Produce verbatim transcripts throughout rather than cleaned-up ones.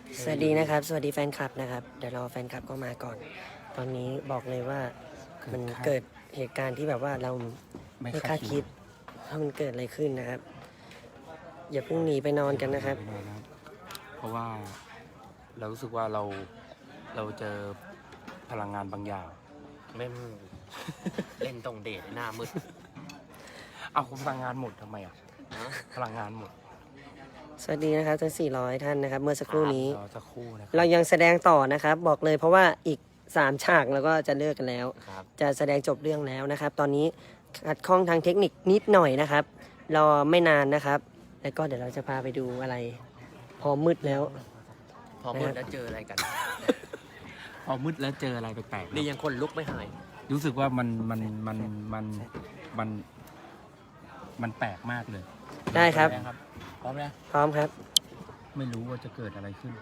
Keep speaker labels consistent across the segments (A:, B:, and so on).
A: สวัสดีนะครับสวัสดีแฟนคลับนะครับเดี๋ยวรอแฟนคลับก็มาก่อน ตอนนี้บอกเลยว่ามันเกิดเหตุการณ์ที่แบบว่าเราไม่คาดคิดว่ามันเกิดอะไรขึ้นนะครับ อย่าเพิ่งหนีไปนอนกันนะครับ
B: เพราะว่าเรารู้สึกว่าเราเราเจอพลังงานบางอย่าง
C: ไม่ เล่นตรงเดทหน้ามืด
B: เอาพลังงานหมดทำไมอ่ะพลังงานหมด
A: สวัสดีนะครับทั้งสี่ร้อยท่านนะครับ เมื่อสักครู่นี้
B: รอสักครู่นะค
A: เรา
B: รับ
A: ยังแสดงต่อนะครับ บอกเลยเพราะว่าอีกสามฉากแล้วก็จะเลิกกันแล้ว
C: ครับ
A: จะแสดงจบเรื่องแล้วนะครับ ตอนนี้ขัดข้องทางเทคนิคนิดหน่อยนะครับ รอไม่นานนะครับ แล้วก็เดี๋ยวเราจะพาไปดูอะไร พอมืดแล้ว
C: พอมืดแล้วเจออะไรกัน
B: พอมืดแล้วเจออะไรแปลกๆ
C: นี่
B: นะ
C: ยังคนลุกไม่หาย
B: รู้สึกว่ามันมันมันมันมันมันแปลกมากเลย
A: ได้ครับ
B: พร้อมไหม
A: พร้อมครับ
B: ไม่รู้ว่าจะเกิดอะไรขึ้น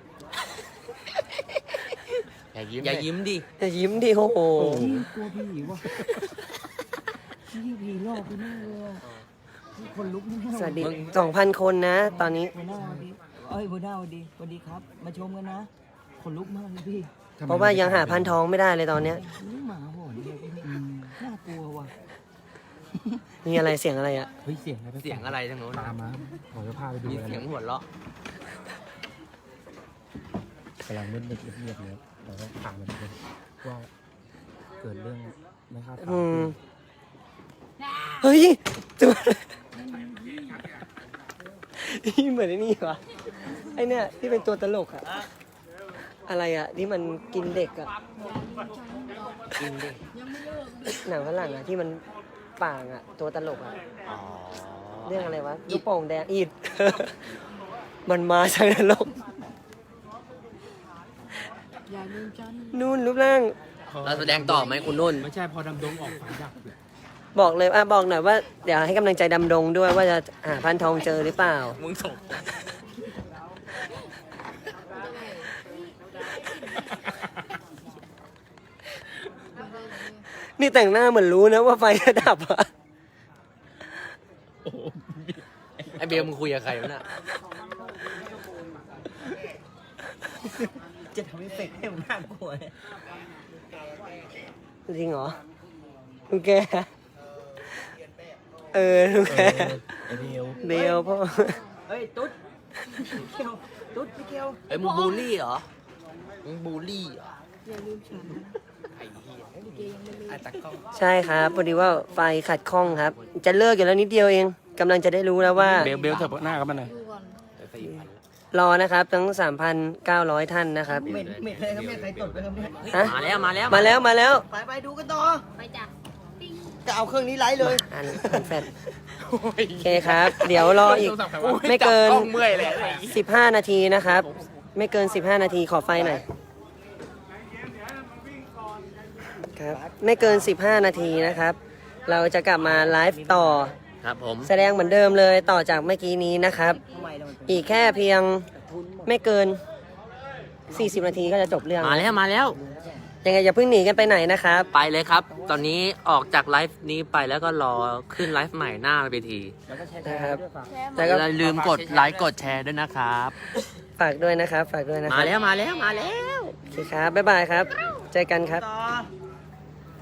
C: อย่ายิ้มอย่ายิ้มดิ
A: จะยิ้มดิโอ้โห
D: กลัวผีว่ะพี่ผีหลอกไปแน่เลยอะคนลุกแน่
A: สวัสดีสองพันคนนะ ตอนนี้
D: หัวหน้าสวัสดีเอ้ยหัวหน้าสวัสดีสวัสดีครับ มาชมกันนะ คนลุกมากเลยพี่
A: เพราะว่ายังหาพันทองไม่ได้เลยตอนเนี้ย
D: นี่หมาหอนเลยพี่น่ากลัวว่ะ
A: มีอะไรเสียงอะไรอ่ะ
B: เฮ้ยเสียงอะไรแปลกๆ
C: เสียงอะไรทั้งโน้น
B: ตามมาขอจะพาไปดู
C: มี
B: อะไร
C: เสียงหัวเราะ
B: กำลังมืดๆเงียบๆเลยเราก็ถามมันเลยว่าเกิดเรื่องไม่คาดฝัน
A: อืม เฮ้ยตัวนี่เหมือนไอ้นี่วะไอเนี่ยที่เป็นตัวตลกอะอะไรอะที่มันกินเด็กอะ
C: กินดิ
A: หนังฝรั่งอะที่มันป่างอะตัวตลกอะ
C: อ๋อ
A: เรื่องอะไรวะลูกโป่งแดงอีด มันมาจากนรกนู่นรูปร่าง
C: เราแสดงต่อไหมคุณนุ่น
B: ไม่ใช่พอดำดงออกฝันดับเลย
A: บอกเลยอ่ะบอกหน่อยว่าเดี๋ยวให้กำลังใจดำดงด้วยว่าจะหาพันทองเจอหรือเปล่า
C: มึงส่ง
A: นี่แต่งหน้าเหมือนรู้นะว่าไฟจะดับอะ
C: ไอเบลมึงคุยกับใครวะน่ะ
D: จะทำให้เฟกให้มันน่ากลัวเนี่ย
A: จริงเหรอลุงแกเออลุงแก
B: ไอเดียว
A: เดียวพ่อ
D: เฮ้ยตุ๊ดพี่เกียวตุ๊ดพี่เกียว
C: เอ้ยมึงบูลลี่เหรอ มึงบูลลี่เหรอไอ้เหี้ยไอ้ตะกล้อง
A: ใช่ครับพอดีว่าไฟขัดข้องครับ จะเลิกอยู่แล้วนิดเดียวเองกำลังจะได้รู้แล้วว่า
B: เบลเบลเถอะหน้ากันมาหน่อย
C: สี่พัน
A: รอนะครับทั้ง สามพันเก้าร้อย ท่านนะครับ
D: เหม็นเหม็นเลยครับแม่ใครตดไปครับเนี่ย
C: เฮ้ย
A: ฮะ
C: มาแล้วมาแล้ว
A: มาแล้วมาแล้ว
D: ไปไปดูกันต่อ
E: ไปจ้ะปิ้ง
D: จะเอาเครื่องนี้ไลฟ์เลย
A: อันอันแฟดโอเคครับ เดี๋ยวรออีกไม่เกิน
C: จับกล้องเมื่อยเลยไอ้
A: สิบห้า นาทีนะครับ ไม่เกิน สิบห้า นาทีขอไฟหน่อยครับไม่เกิน สิบห้า นาทีนะครับ เราจะกลับมาไลฟ์ต่อ
C: ครับผม
A: แสดงเหมือนเดิมเลยต่อจากเมื่อกี้นี้นะครับ
D: ทำไมเรามันเป็น
A: อีกแค่เพียงไม่เกิน สี่สิบ นาทีก็จะจบเรื่อง
C: มาแล้วมาแล้ว
A: ยังไงอย่าเพิ่งหนีกันไปไหนนะครับ
C: ไปเลยครับ ตอนนี้ออกจากไลฟ์นี้ไปแล้วก็รอขึ้นไลฟ์ใหม่หน้าเวที
D: แล้วก็แชร์
A: นะครับ
D: ด้วยฝาก
E: แช่
A: แต่
E: มา
A: ก็
C: อย่าลืมกดไลค์กดแชร์ด้วยนะครับ
A: ฝากด้วยนะครับ ฝากด้วยนะค
C: มา
A: รับ
C: แล้วมาแล้วมาแล้ว
A: โอเคครับบ๊ายบายครับ เจอกันครับ
D: ต่อ